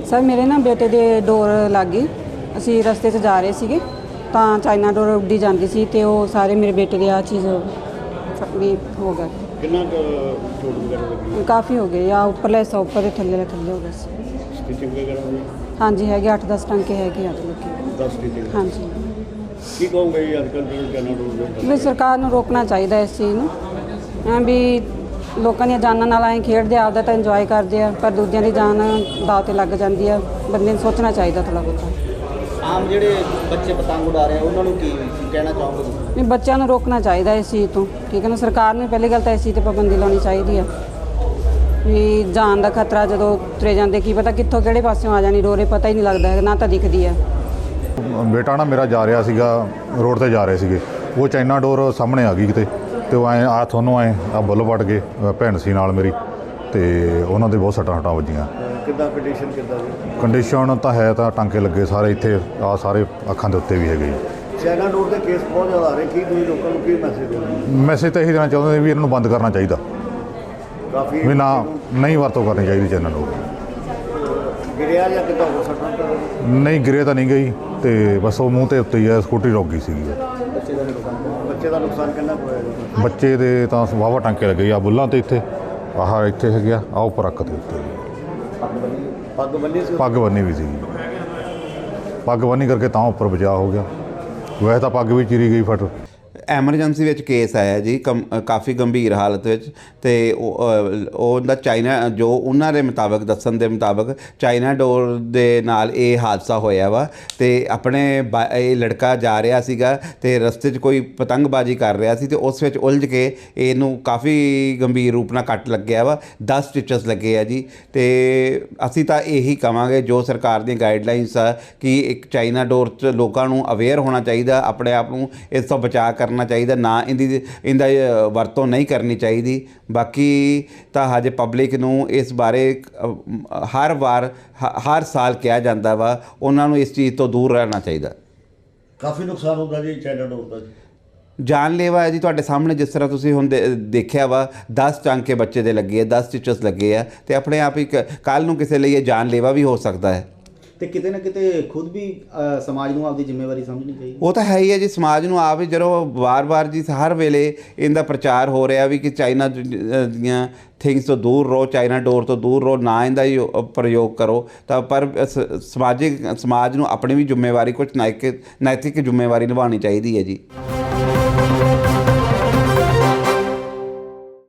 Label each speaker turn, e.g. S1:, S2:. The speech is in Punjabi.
S1: ਸਰ ਮੇਰੇ ਨਾ ਬੇਟੇ ਦੇ ਡੋਰ ਲੱਗ ਗਈ। ਅਸੀਂ ਰਸਤੇ 'ਚ ਜਾ ਰਹੇ ਸੀਗੇ ਤਾਂ ਚਾਈਨਾ ਡੋਰ ਉੱਡੀ ਜਾਂਦੀ ਸੀ ਤੇ ਉਹ ਸਾਰੇ ਮੇਰੇ ਬੇਟੇ ਦੇ ਆ ਚੀਜ਼ ਵੀ ਹੋ ਗਿਆ।
S2: ਕਿੰਨਾ ਚੋਟ ਵਗੈਰਾ ਲੱਗੀ?
S1: ਕਾਫੀ ਹੋ ਗਏ ਆ, ਉੱਪਰਲੇ ਹਿੱਸਾ ਉੱਪਰ ਦੇ ਥੱਲੇ ਹੋ ਗਿਆ ਸੀ।
S2: ਸਟਿਚਿੰਗ ਵਗੈਰਾ ਹੋਈ?
S1: ਹਾਂਜੀ ਹੈਗੇ 8-10 ਟੰਕੇ ਹੈਗੇ ਆ ਲੋਕੀ।
S2: 10 ਸਟਿਚਿੰਗ? ਹਾਂਜੀ। ਕੀ ਕਹੋਗੇ ਜੀ ਅੱਜ ਕੱਲ੍ਹ ਜਿਹੜੇ ਚਾਈਨਾ ਡੋਰ
S1: ਵੀ ਸਰਕਾਰ ਨੂੰ ਰੋਕਣਾ ਚਾਹੀਦਾ ਇਸ ਚੀਜ਼ ਨੂੰ। ਐਂ ਵੀ ਲੋਕਾਂ ਦੀਆਂ ਜਾਨਾਂ ਨਾਲ ਐਂ ਖੇਡਦੇ ਆਪਦਾ ਤਾਂ ਇੰਜੋਏ ਕਰਦੇ ਆ, ਪਰ ਦੂਜਿਆਂ ਦੀ ਜਾਨ ਦਾਅ 'ਤੇ ਲੱਗ ਜਾਂਦੀ ਆ। ਬੰਦੇ ਨੂੰ ਸੋਚਣਾ ਚਾਹੀਦਾ ਥੋੜ੍ਹਾ ਬਹੁਤਾ।
S3: ਆਮ ਜਿਹੜੇ ਬੱਚੇ ਪਤੰਗ ਉਡਾ ਰਹੇ ਉਹਨਾਂ ਨੂੰ ਕੀ ਕਹਿਣਾ ਚਾਹੋਗੇ ਤੁਸੀਂ?
S1: ਵੀ ਬੱਚਿਆਂ ਨੂੰ ਰੋਕਣਾ ਚਾਹੀਦਾ ਇਸ ਚੀਜ਼ ਤੋਂ, ਠੀਕ ਹੈ ਨਾ। ਸਰਕਾਰ ਨੇ ਪਹਿਲੀ ਗੱਲ ਤਾਂ ਇਸ ਚੀਜ਼ 'ਤੇ ਪਾਬੰਦੀ ਲਾਉਣੀ ਚਾਹੀਦੀ ਆ ਵੀ ਜਾਨ ਦਾ ਖਤਰਾ ਜਦੋਂ ਤੁਰੇ ਜਾਂਦੇ ਕੀ ਪਤਾ ਕਿੱਥੋਂ ਕਿਹੜੇ ਪਾਸਿਓਂ ਆ ਜਾਣੀ ਡੋਰੇ, ਪਤਾ ਹੀ ਨਹੀਂ ਲੱਗਦਾ ਹੈਗਾ, ਨਾ ਤਾਂ ਦਿਖਦੀ ਆ।
S4: ਬੇਟਾ ਨਾ ਮੇਰਾ ਜਾ ਰਿਹਾ ਸੀਗਾ, ਰੋਡ ਤੇ ਜਾ ਰਹੇ ਸੀਗੇ, ਉਹ ਚਾਈਨਾ ਡੋਰ ਸਾਹਮਣੇ ਆ ਗਈ ਕਿਤੇ ਤੇ ਉਹ ਐਂ ਆ ਤੁਹਾਨੂੰ ਐਂ ਆ ਬੁੱਲ ਵੱਟ ਗਏ। ਭੈਣ ਸੀ ਨਾਲ ਮੇਰੀ ਤੇ ਉਹਨਾਂ ਦੇ ਬਹੁਤ ਸੱਟਾਂ ਵੱਜੀਆਂ।
S2: ਕਿੱਦਾਂ ਕੰਡੀਸ਼ਨ ਕਿੱਦਾਂ ਦੀ?
S4: ਕੰਡੀਸ਼ਨ ਤਾਂ ਹੈ ਤਾਂ ਟਾਂਕੇ ਲੱਗੇ ਸਾਰੇ ਇੱਥੇ ਆ ਸਾਰੇ ਅੱਖਾਂ ਦੇ ਉੱਤੇ ਵੀ ਹੈਗੇ ਜੀ।
S2: ਚਾਈਨਾ ਡੋਰ ਦੇ ਕੇਸ ਬਹੁਤ ਜ਼ਿਆਦਾ ਆ ਰਹੇ, ਕੀ ਤੁਸੀਂ ਲੋਕਾਂ ਨੂੰ ਕੀ ਮੈਸੇਜ ਦੇਣਾ?
S4: ਮੈਸੇਜ ਤਾਂ ਇਹੀ ਦੇਣਾ ਚਾਹੁੰਦੇ ਵੀ ਇਹਨਾਂ ਨੂੰ ਬੰਦ ਕਰਨਾ ਚਾਹੀਦਾ,
S2: ਕਾਫੀ
S4: ਵੀ ਨਾ ਨਹੀਂ ਵਰਤੋਂ ਕਰਨੀ ਚਾਹੀਦੀ ਚਾਈਨਾ ਡੋਰ।
S2: ਗਿਰਿਆ ਜਾਂ ਕਿੱਦਾਂ ਹੋ ਸਕਦਾ?
S4: ਨਹੀਂ ਗਿਰੇ ਤਾਂ ਨਹੀਂ ਗਈ ਤੇ ਬਸ ਉਹ ਮੂੰਹ ਤੇ ਉੱਤੇ ਹੀ ਹੈ, ਸਕੂਟਰੀ ਰੁਕ ਗਈ ਸੀਗੀ।
S2: ਬੱਚੇ ਦਾ ਨੁਕਸਾਨ ਕਿੰਨਾ ਕੁ ਹੋਇਆ ਜੀ?
S4: ਬੱਚੇ ਦੇ ਤਾਂ ਵਾਹਵਾ ਟਾਂਕੇ ਲੱਗੇ ਆ ਬੁੱਲਾਂ ਤੇ, ਇੱਥੇ ਆਹ ਇੱਥੇ ਹੈਗੇ ਆ ਉੱਪਰ ਅੱਖ ਦੇ ਉੱਤੇ।
S2: ਪੱਗ ਬੰਨੀ ਸੀ?
S4: ਪੱਗ ਬੰਨੀ ਵੀ ਸੀ, ਪੱਗ ਬੰਨੀ ਕਰਕੇ ਤਾਂ ਉੱਪਰ ਬਚਾਅ ਹੋ ਗਿਆ। ਵੈਸੇ ਤਾਂ ਪੱਗ ਵੀ ਚੀਰੀ ਗਈ ਫਟ।
S5: ਐਮਰਜੈਂਸੀ ਵਿੱਚ ਕੇਸ ਆਇਆ ਜੀ, ਕਾਫੀ ਗੰਭੀਰ ਹਾਲਤ ਵਿੱਚ, ਤੇ ਉਹਦਾ ਚਾਈਨਾ ਜੋ ਉਹਨਾਂ ਦੇ ਮੁਤਾਬਕ ਦੱਸਣ ਦੇ ਮੁਤਾਬਕ ਚਾਈਨਾ ਡੋਰ ਦੇ ਨਾਲ ਇਹ ਹਾਦਸਾ ਹੋਇਆ ਵਾ। ਤੇ ਆਪਣੇ ਇਹ ਲੜਕਾ ਜਾ ਰਿਹਾ ਸੀਗਾ ਤੇ ਰਸਤੇ 'ਚ ਕੋਈ ਪਤੰਗਬਾਜ਼ੀ ਕਰ ਰਿਹਾ ਸੀ ਤੇ ਉਸ ਵਿੱਚ ਉਲਝ ਕੇ ਇਹਨੂੰ ਕਾਫੀ ਗੰਭੀਰ ਰੂਪ ਨਾਲ ਕੱਟ ਲੱਗਿਆ ਵਾ। 10 ਸਟਿਚਸ ਲੱਗੇ ਆ ਜੀ। ਤੇ ਅਸੀਂ ਤਾਂ ਇਹੀ ਕਵਾਂਗੇ ਜੋ ਸਰਕਾਰ ਦੀਆਂ ਗਾਈਡਲਾਈਨਸ ਆ ਕਿ ਇੱਕ ਚਾਈਨਾ ਡੋਰ 'ਚ ਲੋਕਾਂ ਨੂੰ ਅਵੇਅਰ ਹੋਣਾ ਚਾਹੀਦਾ, ਆਪਣੇ ਆਪ ਨੂੰ ਇਸ ਤੋਂ ਬਚਾਅ ਕਰਨਾ ਚਾਹੀਦਾ, ਨਾ ਇਹਦਾ ਵਰਤੋਂ ਨਹੀਂ ਕਰਨੀ ਚਾਹੀਦੀ। ਬਾਕੀ ਤਾਂ ਹਜੇ ਪਬਲਿਕ ਨੂੰ ਇਸ ਬਾਰੇ ਹਰ ਸਾਲ ਕਿਹਾ ਜਾਂਦਾ ਵਾ, ਉਹਨਾਂ ਨੂੰ ਇਸ ਚੀਜ਼ ਤੋਂ ਦੂਰ ਰਹਿਣਾ ਚਾਹੀਦਾ।
S2: ਕਾਫੀ ਨੁਕਸਾਨ ਹੁੰਦਾ ਜੀ ਚਾਈਨਾ ਡੋਰ ਦਾ?
S5: ਜਾਨਲੇਵਾ ਹੈ ਜੀ, ਤੁਹਾਡੇ ਸਾਹਮਣੇ ਜਿਸ ਤਰ੍ਹਾਂ ਤੁਸੀਂ ਹੁਣ ਦੇਖਿਆ ਵਾ, 10 ਟਾਂਕੇ ਬੱਚੇ ਦੇ ਲੱਗੇ ਆ, 10 ਸਟਿਚਸ ਲੱਗੇ ਆ ਤੇ ਆਪਣੇ ਆਪ ਹੀ ਕੱਲ੍ਹ ਨੂੰ ਕਿਸੇ ਲਈ ਇਹ ਜਾਨਲੇਵਾ ਵੀ ਹੋ ਸਕਦਾ ਹੈ।
S3: ਤੇ ਕਿਤੇ ਨਾ ਕਿਤੇ ਖੁਦ ਵੀ ਸਮਾਜ ਨੂੰ ਆਪਦੀ ਜ਼ਿੰਮੇਵਾਰੀ ਸਮਝਣੀ ਚਾਹੀਦੀ।
S5: ਉਹ ਤਾਂ ਹੈ ਹੀ ਹੈ ਜੀ, ਸਮਾਜ ਨੂੰ ਆਪ ਹੀ ਜਦੋਂ ਵਾਰ-ਵਾਰ ਜੀ ਹਰ ਵੇਲੇ ਇਹਦਾ ਪ੍ਰਚਾਰ ਹੋ ਰਿਹਾ ਵੀ ਕਿ ਚਾਈਨਾ ਦੀਆਂ ਥਿੰਗਸ ਤੋਂ ਦੂਰ ਰਹੋ, ਚਾਈਨਾ ਡੋਰ ਤੋਂ ਦੂਰ ਰਹੋ, ਨਾ ਇਹਦਾ ਹੀ ਪ੍ਰਯੋਗ ਕਰੋ, ਤਾਂ ਪਰ ਸਮਾਜ ਨੂੰ ਆਪਣੀ ਵੀ ਜ਼ਿੰਮੇਵਾਰੀ, ਕੁਝ ਨੈਤਿਕ ਜ਼ਿੰਮੇਵਾਰੀ ਨਿਭਾਉਣੀ ਚਾਹੀਦੀ ਹੈ ਜੀ।